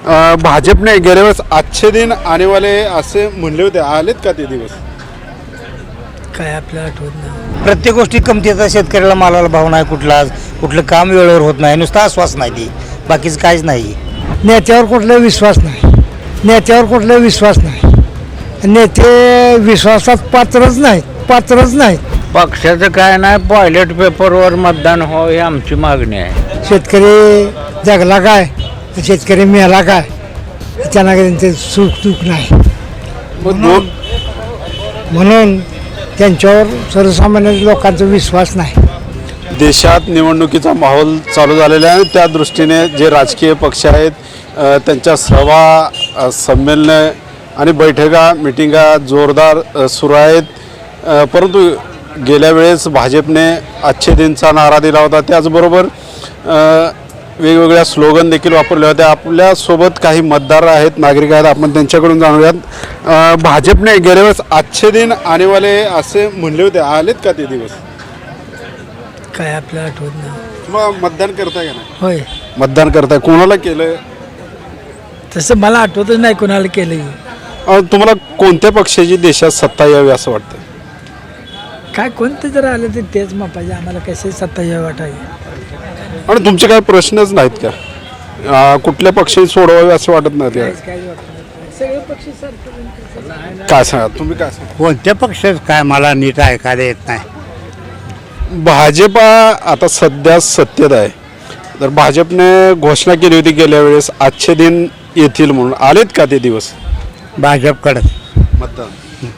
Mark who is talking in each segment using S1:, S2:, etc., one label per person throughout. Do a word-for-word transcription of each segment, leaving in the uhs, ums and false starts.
S1: अ, भाजपने गेल्या वेळेस अच्छे दिन आने वाले असे म्हणले होते, आलेत का ते दिवस?
S2: काय आपल्याला आठवत नाही.
S3: प्रत्येक गोष्टी कमतीचा शेतकऱ्याला मालाला भाव नाही, कुठला कुठलं काम वेळेवर होत नाही, नुसता आश्वास नाही ती, बाकीचं काहीच नाही.
S2: नेत्यावर कुठला विश्वास नाही, नेत्यावर कुठला विश्वास नाही. नेते विश्वासात पात्रच नाहीत, पात्रच नाहीत.
S4: पक्षाचं काय नाही, टॉयलेट पेपरवर मतदान हो ही आमची मागणी आहे.
S2: शेतकरी जगला काय, शेतकरी मेला काय, त्यांना त्यांचे सुख दुःख नाही.
S1: मग दोन
S2: म्हणून त्यांच्यावर सर्वसामान्य लोकांचा विश्वास नाही.
S1: देशात निवडणुकीचा माहोल चालू झालेला आहे. त्या दृष्टीने जे राजकीय पक्ष आहेत अ, त्यांच्या सभा, अ, संमेलनं आणि बैठका, मिटिंगा जोरदार अ, सुरू आहेत. अ, परंतु गेल्या वेळेस भाजपने अच्छे दिनचा नारा दिला होता. त्याचबरोबर अ, वेगवेगळ्या स्लोगन देखील वापरले होते. आपल्यासोबत काही मतदार आहेत, नागरिक आहेत, आपण त्यांच्याकडून जाणूयात. अ, भाजपने गेल्या वेळेस अच्छे दिन आने वाले असे म्हणले होते, आलेत का ते दिवस?
S2: काय आपल्याला आठवत नाही.
S1: मग मतदान करताय का नाही?
S2: होय,
S1: मतदान करताय, कोणाला केलं?
S2: तसं मला आठवतच नाही कोणाला केलं.
S1: अ, तुम्हाला कोणत्या पक्षाची देशात सत्ता यावी असं वाटतं?
S2: काय कोणते जर आलं तर तेच मापायचे, आम्हाला कसे सत्ता यावं वाटायचे.
S1: आणि तुमचे काही प्रश्नच नाहीत का? अ, कुठल्या पक्षाने सोडवावे असं वाटत नाही का?
S2: काय वाटत सगळे पक्ष सारखे.
S1: काय सांगा, तुम्ही काय सांगा?
S3: कोणत्या पक्षात काय मला नीट ऐकायला येत नाही.
S1: भाजपा आता सध्या सत्तेत आहे, तर भाजपने घोषणा केली होती गेल्या वेळेस अच्छे दिन येतील म्हणून. आलेत का ते दिवस?
S3: भाजपकडंच,
S1: मतदान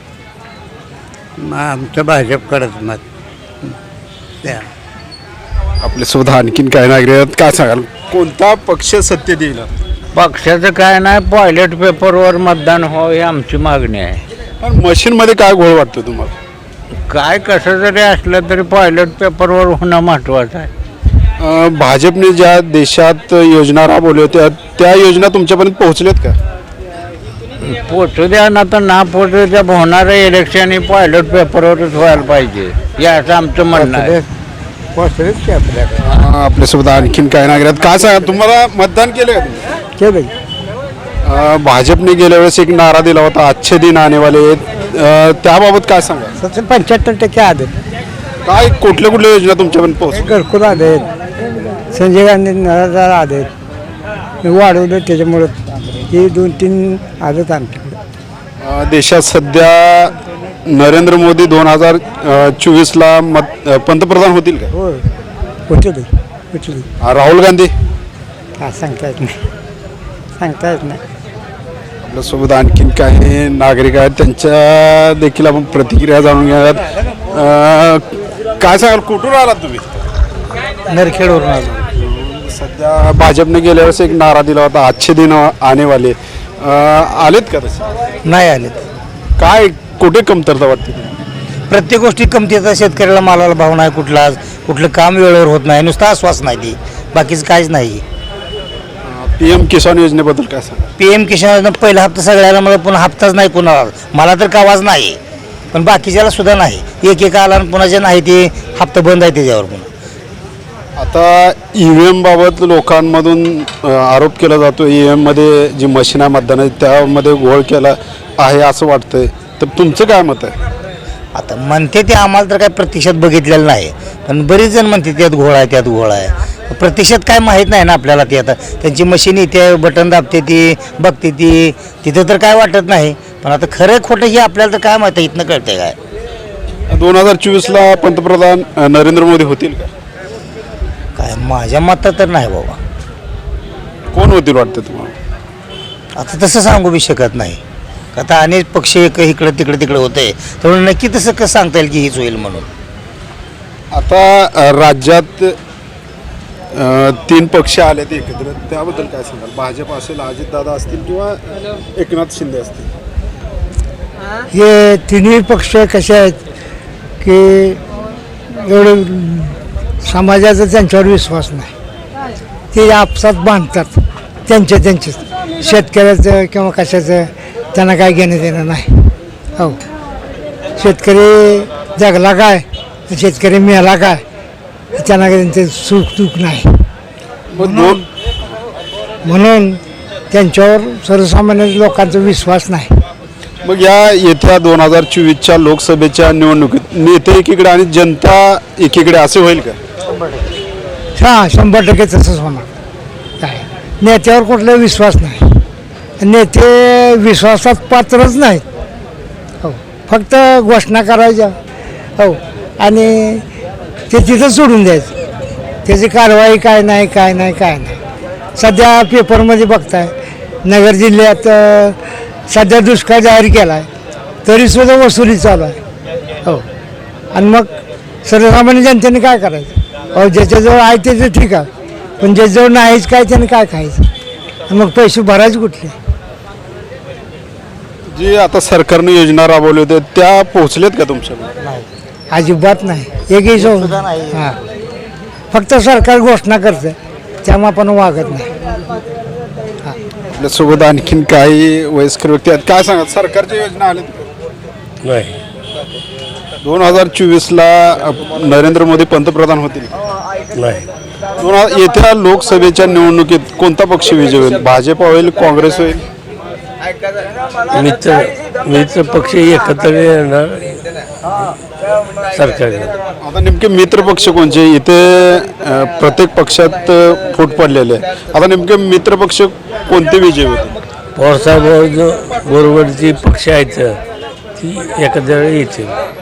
S3: आमचं भाजपकडंच मत. त्या
S1: आपल्यासोबत आणखीन काय नागरिक आहेत, काय सांगाल कोणता पक्ष सत्तेत येईल?
S4: पक्षाचं काय नाही, टॉयलेट पेपरवर मतदान हो ही आमची मागणी आहे.
S1: पण मशीनमध्ये काय घोळ वाटतो तुम्हाला?
S4: काय कसं जरी असलं तरी टॉयलेट पेपरवर होणं महत्त्वाचं आहे.
S1: अ, भाजपने ज्या देशात योजना राबवल्या होत्या त्या योजना तुमच्यापर्यंत पोहोचल्यात का?
S4: पोचू द्या ना, तर ना पोचू द्या, होणारं इलेक्शन ही टॉयलेट पेपरवरच व्हायला पाहिजे, याचं आमचं म्हणणं आहे.
S1: अ, आपल्यासोबत आणखीन काय नागरिक आहेत, काय सांगा तुम्हाला मतदान केलं का तुम्ही?
S2: केलं
S1: अ, भाजपने गेल्या वेळेस एक नारा दिला होता, अच्छे दिन आने वाले आहेत. अ, त्याबाबत काय सांगा?
S2: सत्तर पंच्याहत्तर टक्के आले.
S1: काय कुठल्या कुठल्या योजना तुमच्यापर्यंत पोहोच?
S2: घरकुल आले, संजय गांधी नळादार आले, वाढवलं त्याच्यामुळं हे दोन तीन आलेत आमच्याकडे.
S1: अ, देशात सध्या नरेंद्र मोदी दोन हजार चोवीसला मत अ, पंतप्रधान होतील का?
S2: हो, होते होते.
S1: अ, राहुल गांधी?
S2: काय सांगता येत नाही, सांगता येत नाही.
S1: आपल्यासोबत आणखीन काही नागरिक आहेत, त्यांच्या देखील आपण प्रतिक्रिया जाणून घेऊयात. अ, काय सांगाल, कुठून आलात तुम्ही?
S3: नरखेडवरून आलो.
S1: सध्या भाजपने गेल्या वेळेस एक नारा दिला होता, अच्छे दिन आने वाले. अ, आलेत का तसे?
S3: नाही आले.
S1: काय कुठे कमतरता वाटते?
S3: प्रत्येक गोष्टी कमतीचा शेतकऱ्याला मालाला भाव नाही, कुठला कुठलं काम वेळेवर होत नाही, नुसता आश्वास नाही ती, बाकीचं काहीच नाही.
S1: पी एम किसान योजनेबद्दल काय सांगा?
S3: पी एम किसान पहिला हप्ता सगळ्याला, मला पुन्हा हप्ताच नाही कुणाला, मला तर कावाच नाही, पण बाकीच्याला सुद्धा नाही. एक एक आला आणि पुन्हाचे नाही, ते हप्ता बंद आहे त्याच्यावर. पुन्हा
S1: आता ई व्ही एम बाबत लोकांमधून अ, आरोप केला जातो, ई व्ही एममध्ये जी मशीन आहे मतदानाची त्यामध्ये घोळ केला आहे असं वाटतंय, तर तुमचं काय मत आहे?
S3: आता म्हणते ते, आम्हाला तर काय प्रत्यक्षात बघितलेलं नाही, पण बरेच जण म्हणते त्यात घोळ आहे, त्यात घोळ आहे. प्रत्यक्षात काय माहीत नाही ना आपल्याला. ते आता त्यांची मशीन येते, बटन दाबते, ती बघते, ती तिथं तर काय वाटत नाही, पण आता खरं खोटं हे आपल्याला तर काय माहिती, इथनं कळते काय.
S1: दोन हजार चोवीसला पंतप्रधान अ, नरेंद्र मोदी होतील का?
S3: काय माझ्या मतात तर नाही बाबा.
S1: कोण होतील वाटतं तुम्हाला?
S3: आता तसं सांगू बी शकत नाही, आता अनेक पक्ष एक इकडं तिकडं तिकडं होते, त्यामुळे नक्की तसं कसं सांगता येईल की हीच होईल म्हणून.
S1: आता अ, राज्यात अ, तीन पक्ष आलेत एकत्र, त्याबद्दल काय सांगाल? भाजप असेल, अजितदादा असतील किंवा एकनाथ शिंदे असतील.
S2: हे तिन्ही पक्ष कसे आहेत की एवढं समाजाचा त्यांच्यावर विश्वास नाही. ते आपसात बांधतात त्यांच्या त्यांचे, शेतकऱ्याचं किंवा कशाचं त्यांना काय घेणं देणं नाही. हो, शेतकरी जगला काय, शेतकरी मेला काय, त्यांना त्यांचे सुख दुःख नाही.
S1: मग दोन
S2: म्हणून त्यांच्यावर सर्वसामान्य लोकांचा विश्वास नाही.
S1: मग या येत्या दोन हजार चोवीसच्या लोकसभेच्या निवडणुकीत नेते एकीकडे आणि जनता एकीकडे असे होईल का?
S2: हां शंभर टक्के तसंच होणार. काय नेत्यावर कुठला विश्वास नाही. नेते विश्वासात पात्रच नाहीत. हो फक्त घोषणा करायच्या हो आणि ते तिथं सोडून द्यायचं. त्याची कारवाई काय नाही काय नाही काय नाही. सध्या पेपरमध्ये बघताय नगर जिल्ह्यात अ, सध्या दुष्काळ जाहीर केला आहे तरीसुद्धा वसुली चालू आहे. हो आणि मग सर्वसामान्य जनतेने काय करायचं? अहो ज्याच्याजवळ आहे त्याचं ठीक आहे पण ज्याच्याजवळ नाहीच काय त्याने काय खायचं? आणि मग पैसे भरायचे कुठले?
S1: जी आता सरकारने योजना राबवली होत्या त्या पोहोचल्यात का तुमच्याकडे?
S2: अजिबात नाही. एकही सो हां फक्त सरकार घोषणा करतं त्यामुळे आपण वागत नाही.
S1: आपल्यासोबत आणखीन काही वयस्कर व्यक्ती आहेत. काय सांगा सरकारच्या योजना आल्या
S5: नाही
S1: दोन हजार चोवीसला नरेंद्र मोदी पंतप्रधान होतील.
S5: नाही
S1: दोन हजार येत्या लोकसभेच्या निवडणुकीत कोणता पक्ष विजय होईल? भाजप होईल, काँग्रेस होईल?
S5: मित्र मित्र पक्ष एकत्र येणार सरकार.
S1: आता नेमके मित्र पक्ष कोणते? इथे अ, प्रत्येक पक्षात अ, फूट पडलेले आहे. आता नेमके मित्र पक्ष कोणते विजय होते?
S5: पवारसाहेब बरोबरची पक्ष आहेत ती एकत्र येतील.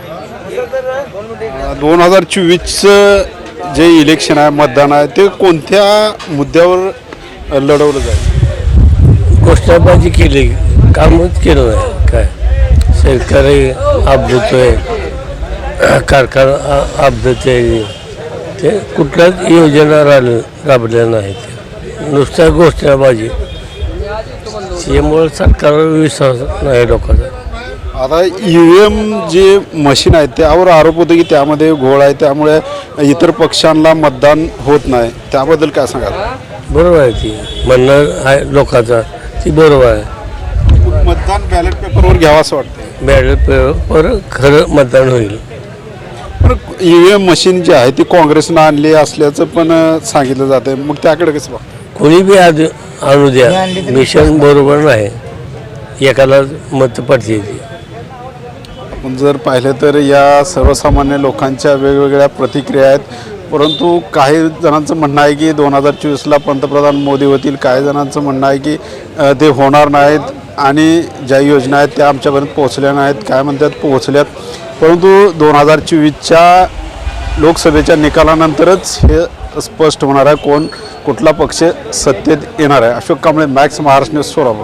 S1: दोन हजार चोवीसचं जे इलेक्शन आहे मतदान आहे ते कोणत्या मुद्द्यावर अ, लढवलं जाईल?
S5: घोषणाबाजी केली कामच केलं नाही. काय शेतकरी अपघतोय कारखाना आ- अपघतोय ते कुठल्याच योजना राब राबल्या नाहीत. नुसत्या घोषणाबाजी यामुळे सरकारवर विश्वास नाही लोकांचा.
S1: आता ई व्ही एम जे मशीन आहे त्यावर आरोप होतो की त्यामध्ये घोळ आहे त्यामुळे इतर पक्षांना मतदान होत नाही. त्याबद्दल काय सांगाल?
S5: बरोबर आहे ती म्हणणं आहे लोकांचा ती बरोबर आहे.
S1: मतदान बॅलेट पेपरवर घ्यावं असं वाटतं.
S5: बॅलेट पेपर खरं मतदान होईल.
S1: पण ई व्ही एम मशीन जी आहे ती काँग्रेसनं आणली असल्याचं पण अ, सांगितलं जातं. मग त्याकडे कसं बघ?
S5: कोणी बी आज आणू द्या मिशन बरोबर नाही. एकाला मत पडते ती.
S1: आपण जर पाहिलं तर या सर्वसामान्य लोकांच्या वेगवेगळ्या प्रतिक्रिया आहेत. परंतु काही जणांचं म्हणणं आहे की दोन हजार चोवीसला पंतप्रधान मोदी होतील. काही जणांचं म्हणणं आहे की अ, ते होणार नाहीत आणि ज्या योजना आहेत त्या आमच्यापर्यंत पोहोचल्या नाहीत. काय म्हणतात पोहोचल्यात. परंतु दोन हजार चोवीसच्या लोकसभेच्या निकालानंतरच हे स्पष्ट होणार आहे कोण कुठला पक्ष सत्तेत येणार आहे. Ashok Kamble, Max Maharashtra news, Solapur.